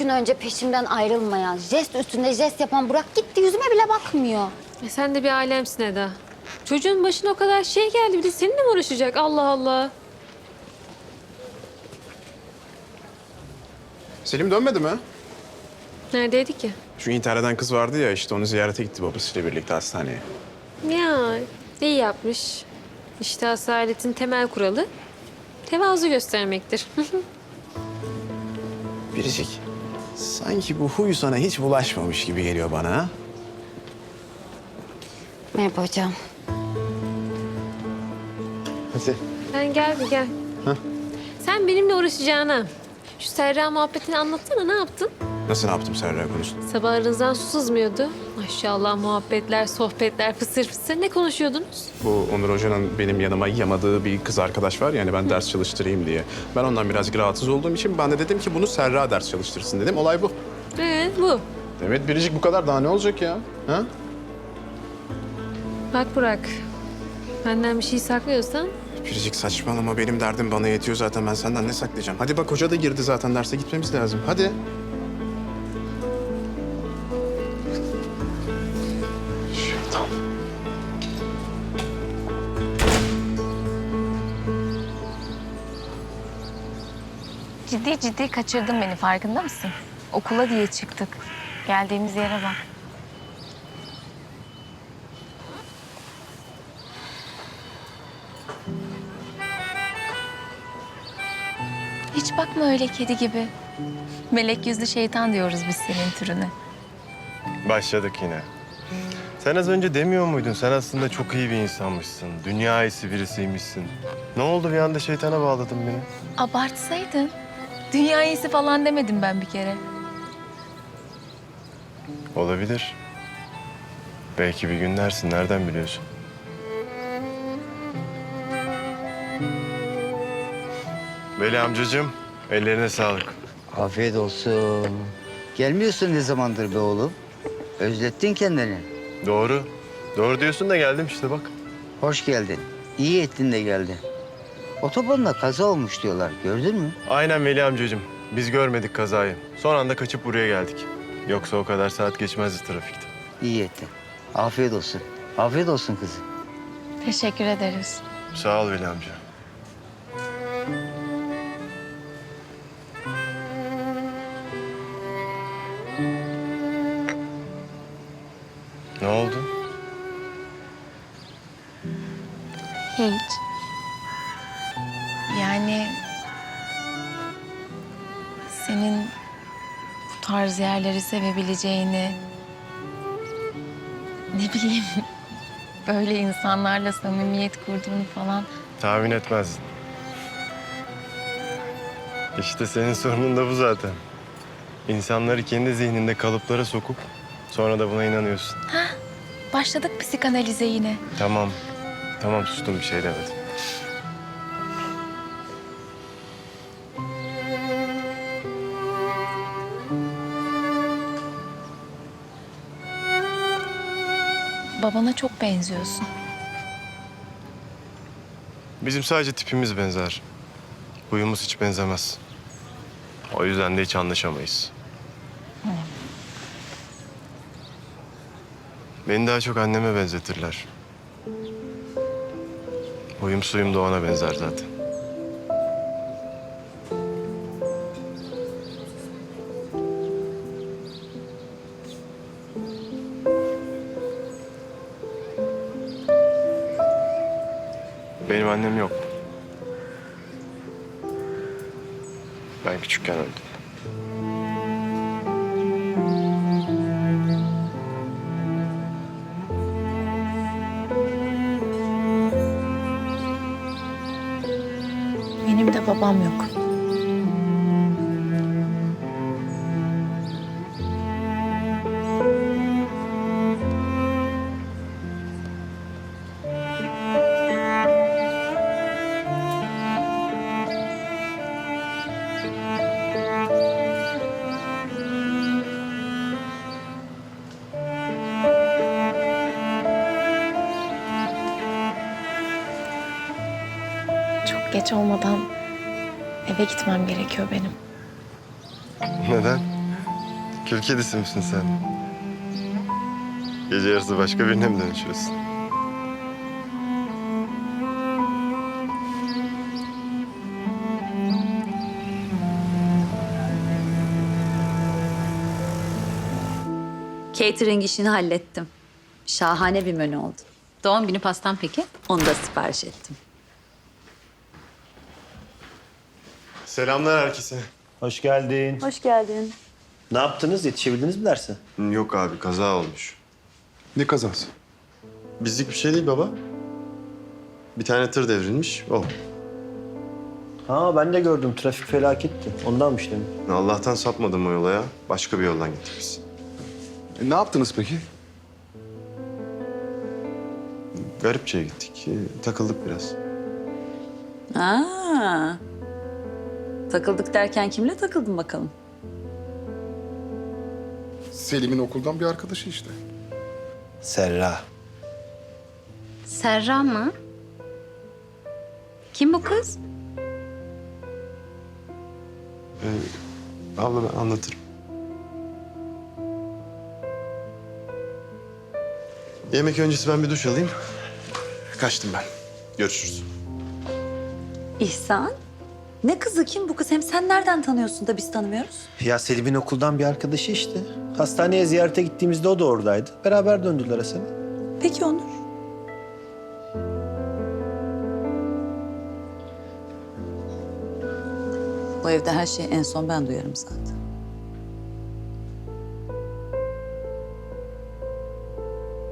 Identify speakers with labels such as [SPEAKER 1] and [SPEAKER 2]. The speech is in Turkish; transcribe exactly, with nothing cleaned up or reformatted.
[SPEAKER 1] gün önce peşimden ayrılmayan, jest üstünde jest yapan Burak gitti, yüzüme bile bakmıyor.
[SPEAKER 2] E sen de bir alemsin Eda. Çocuğun başına o kadar şey geldi, bir de seninle mi uğraşacak? Allah Allah.
[SPEAKER 3] Selim dönmedi mi?
[SPEAKER 2] Neredeydi ki?
[SPEAKER 3] Şu intihar eden kız vardı ya, işte onu ziyarete gitti babasıyla birlikte hastaneye.
[SPEAKER 2] Ya iyi yapmış. İşte asaletin temel kuralı tevazu göstermektir.
[SPEAKER 3] Biricik, sanki bu huy sana hiç bulaşmamış gibi geliyor bana ha?
[SPEAKER 1] Merhaba hocam.
[SPEAKER 3] Hadi.
[SPEAKER 2] Sen gel bir gel.
[SPEAKER 3] Hah.
[SPEAKER 2] Sen benimle uğraşacağına şu Serra muhabbetini anlatsana, ne yaptın?
[SPEAKER 3] Nasıl ne yaptım Serra konusunda?
[SPEAKER 2] Sabah aranızdan su sızmıyordu. Maşallah muhabbetler, sohbetler, fısır fısır. Ne konuşuyordunuz?
[SPEAKER 3] Bu Onur Hoca'nın benim yanıma yamadığı bir kız arkadaş var, yani ben ders çalıştırayım diye. Ben ondan birazcık rahatsız olduğum için ben de dedim ki bunu Serra ders çalıştırsın dedim. Olay bu.
[SPEAKER 2] Evet bu.
[SPEAKER 3] Evet Biricik, bu kadar, daha ne olacak ya? Ha?
[SPEAKER 2] Bak Burak, benden bir şey saklıyorsan
[SPEAKER 3] Biricik saçmalama, benim derdim bana yetiyor zaten, ben senden ne saklayacağım? Hadi bak, hoca da girdi zaten, derse gitmemiz lazım. Hadi. Şeytan.
[SPEAKER 4] Ciddi ciddi kaçırdın beni, farkında mısın? Okula diye çıktık. Geldiğimiz yere bak. Hiç bakma öyle kedi gibi. Melek yüzlü şeytan diyoruz biz senin türüne.
[SPEAKER 5] Başladık yine. Sen az önce demiyor muydun? Sen aslında çok iyi bir insanmışsın. Dünya iyisi birisiymişsin. Ne oldu, bir anda şeytana bağladın beni?
[SPEAKER 4] Abartsaydın. Dünya iyisi falan demedim ben bir kere.
[SPEAKER 5] Olabilir. Belki bir gün dersin, nereden biliyorsun? Veli amcacığım, ellerine sağlık.
[SPEAKER 6] Afiyet olsun. Gelmiyorsun ne zamandır be oğlum? Özlettin kendini.
[SPEAKER 5] Doğru. Doğru diyorsun da geldim işte bak.
[SPEAKER 6] Hoş geldin. İyi ettin de geldin. Otobanda kaza olmuş diyorlar. Gördün mü?
[SPEAKER 5] Aynen Veli amcacığım. Biz görmedik kazayı. Son anda kaçıp buraya geldik. Yoksa o kadar saat geçmezdi trafikte.
[SPEAKER 6] İyi ettin. Afiyet olsun. Afiyet olsun kızım.
[SPEAKER 4] Teşekkür ederiz.
[SPEAKER 5] Sağ ol Veli amca. Ne oldu?
[SPEAKER 4] Hiç. Yani senin bu tarz yerleri sevebileceğini, ne bileyim, böyle insanlarla samimiyet kurduğunu falan.
[SPEAKER 5] Tahmin etmezdin. İşte senin sorunun da bu zaten. İnsanları kendi zihninde kalıplara sokup sonra da buna inanıyorsun.
[SPEAKER 4] Başladık psikanalize yine.
[SPEAKER 5] Tamam. Tamam, sustum, bir şey demedim.
[SPEAKER 4] Babana çok benziyorsun.
[SPEAKER 5] Bizim sadece tipimiz benzer. Huyumuz hiç benzemez. O yüzden de hiç anlaşamayız. Beni daha çok anneme benzetirler. Huyum suyum da ona benzer zaten. Benim annem yok. Ben küçükken öldü.
[SPEAKER 4] Benim de babam yok. Çok geç olmadan eve gitmem gerekiyor benim.
[SPEAKER 5] Neden? Kül kedisi misin sen? Gece yarısı başka birine mi dönüşüyorsun?
[SPEAKER 7] Catering işini hallettim. Şahane bir menü oldu. Doğum günü pastam peki? Onu da sipariş ettim.
[SPEAKER 5] Selamlar herkese.
[SPEAKER 8] Hoş geldin.
[SPEAKER 1] Hoş geldin.
[SPEAKER 8] Ne yaptınız? Yetişebildiniz mi derse?
[SPEAKER 5] Yok abi, kaza olmuş.
[SPEAKER 3] Ne kazası?
[SPEAKER 5] Bizlik bir şey değil baba. Bir tane tır devrilmiş, o.
[SPEAKER 8] Ha ben de gördüm. Trafik felaketti. Ondanmış demin.
[SPEAKER 5] Allah'tan sapmadım o yola ya. Başka bir yoldan gittik biz.
[SPEAKER 3] E, ne yaptınız peki?
[SPEAKER 5] Garipçe'ye gittik. Ee, takıldık biraz.
[SPEAKER 7] Aa, takıldık derken kimle takıldın bakalım?
[SPEAKER 9] Selim'in okuldan bir arkadaşı işte.
[SPEAKER 8] Serra.
[SPEAKER 7] Serra mı? Kim bu kız?
[SPEAKER 5] Ee, abla ben anlatırım. Yemek öncesi ben bir duş alayım. Kaçtım ben. Görüşürüz.
[SPEAKER 7] İhsan. Ne kızı kim bu kız? Hem sen nereden tanıyorsun da biz tanımıyoruz?
[SPEAKER 8] Ya Selim'in okuldan bir arkadaşı işte. Hastaneye ziyarete gittiğimizde o da oradaydı. Beraber döndüler Hasan'a.
[SPEAKER 7] Peki Onur. Bu evde her şeyi en son ben duyarım zaten.